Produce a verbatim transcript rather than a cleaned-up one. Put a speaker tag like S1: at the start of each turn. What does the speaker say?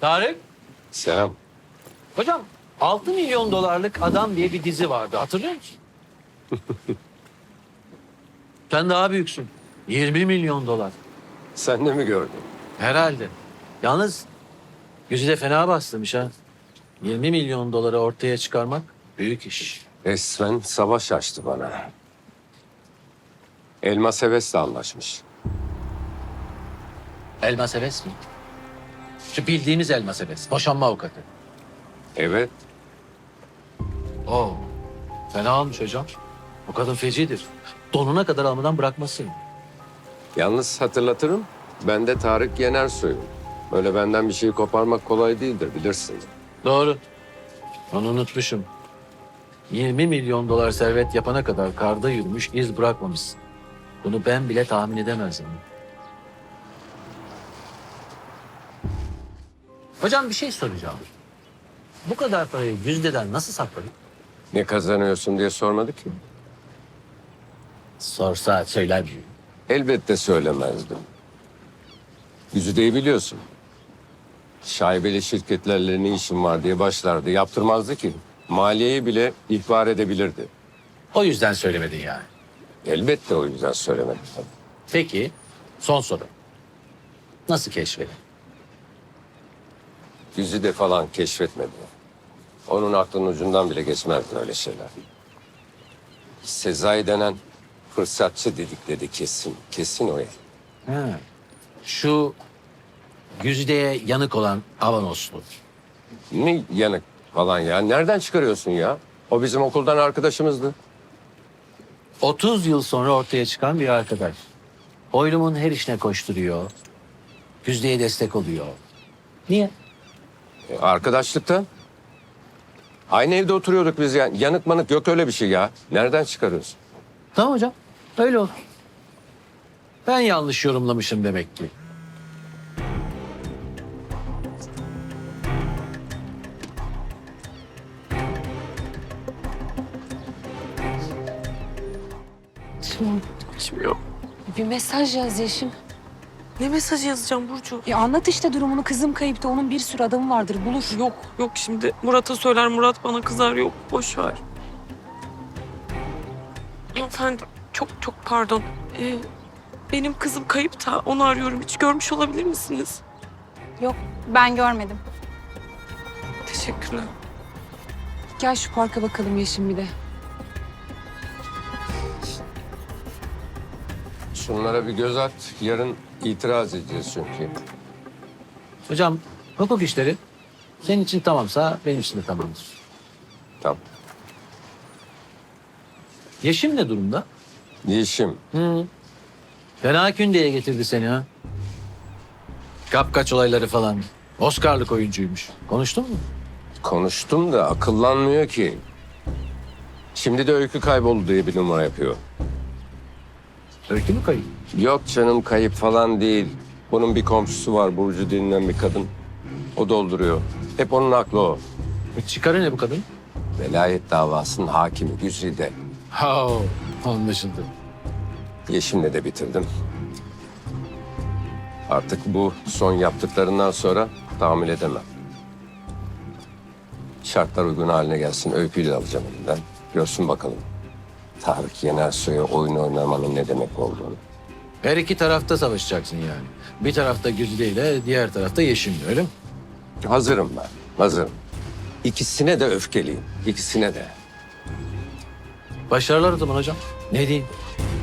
S1: Tarık,
S2: Selam.
S1: hocam altı milyon dolarlık adam diye bir dizi vardı. Hatırlıyor musun? Sen daha büyüksün. yirmi milyon dolar.
S2: Sen de mi gördün?
S1: Herhalde. Yalnız yüzü de fena bastırmış ha. yirmi milyon doları ortaya çıkarmak büyük iş.
S2: Resmen savaş açtı bana. Elmas Heves'le anlaşmış.
S1: Elmas Heves mi? Şu bildiğimiz Elmas Heves. Boşanma avukatı.
S2: Evet.
S1: Oo. Fena almış hocam. O kadın fecidir. Donuna kadar almadan bırakmasın.
S2: Yalnız hatırlatırım, ben de Tarık Yenersoy'um. Öyle benden bir şeyi koparmak kolay değildir, bilirsin.
S1: Doğru. Onu unutmuşum. yirmi milyon dolar servet yapana kadar karda yürümüş, iz bırakmamışsın. Bunu ben bile tahmin edemezdim. Hocam bir şey soracağım. Bu kadar parayı Güzde'den nasıl sakladın?
S2: Ne kazanıyorsun diye sormadı ki.
S1: Sorsa söyler miyim?
S2: Elbette söylemezdim. Güzide'yi biliyorsun. Şaibeli şirketlerle ne işin var diye başlardı. Yaptırmazdı ki. Maliyeyi bile ihbar edebilirdi.
S1: O yüzden söylemedin yani.
S2: Elbette o yüzden söylemedim.
S1: Peki, son soru. Nasıl keşfedin?
S2: Güzide falan keşfetmedi. Onun aklının ucundan bile geçmezdi öyle şeyler. Sezai denen fırsatçı dedikleri kesin. Kesin o.
S1: Ha. Şu Güzide'ye yanık olan Avanoslu.
S2: Ne yanık falan ya. Nereden çıkarıyorsun ya? O bizim okuldan arkadaşımızdı.
S1: otuz yıl sonra ortaya çıkan bir arkadaş. Oylum'un her işine koşturuyor. Güzde'ye destek oluyor. Niye?
S2: E, arkadaşlıktan. Aynı evde oturuyorduk biz ya. Yanık manık yok öyle bir şey ya. Nereden çıkarıyorsun?
S1: Tamam hocam. Öyle olur. Ben yanlış yorumlamışım demek ki.
S3: Şimdi
S4: Açmıyor.
S3: bir mesaj yaz Yeşim.
S4: Ne mesajı yazacağım Burcu?
S3: E anlat işte durumunu. Kızım kayıpta. Onun bir sürü adamı vardır. Bulur.
S4: Yok yok şimdi Murat'a söyler, Murat bana kızar. Yok boş ver. Hanımefendi çok çok pardon. Ee, benim kızım kayıp da onu arıyorum. Hiç görmüş olabilir misiniz?
S5: Yok, ben görmedim.
S4: Teşekkürler.
S3: Gel şu parka bakalım Yeşim bir de.
S2: Şunlara bir göz at. Yarın itiraz edeceğiz çünkü.
S1: Hocam hukuk işleri senin için tamamsa benim için de tamamdır.
S2: Tamam.
S1: Yeşim ne durumda?
S2: Yeşim.
S1: Hı. Fena kündeye getirdi seni ha. Kapkaç olayları falan. Oscar'lık oyuncuymuş. Konuştun mu?
S2: Konuştum da akıllanmıyor ki. Şimdi de öykü kayboldu diye bir numara yapıyor.
S1: Öykü mü kayıp?
S2: Yok canım kayıp falan değil. Bunun bir komşusu var Burcu denilen bir kadın. O dolduruyor. Hep onun aklı o.
S1: E, çıkarı ne bu kadın?
S2: Velayet davasının hakimi Güzide.
S1: Ha, anlaşıldı.
S2: Yeşim'le de bitirdim. Artık bu son yaptıklarından sonra tahammül edemem. Şartlar uygun haline gelsin. Öyküyü de alacağım elinden. Görsün bakalım. Tarık Yenersoy'a oyun oynamanın ne demek olduğunu.
S1: Her iki tarafta savaşacaksın yani. Bir tarafta Güzide ile diğer tarafta Yeşim'le öyle mi?
S2: Hazırım ben. Hazırım. İkisine de öfkeliyim. İkisine de.
S1: Başarılar o zaman hocam. Ne diyeyim?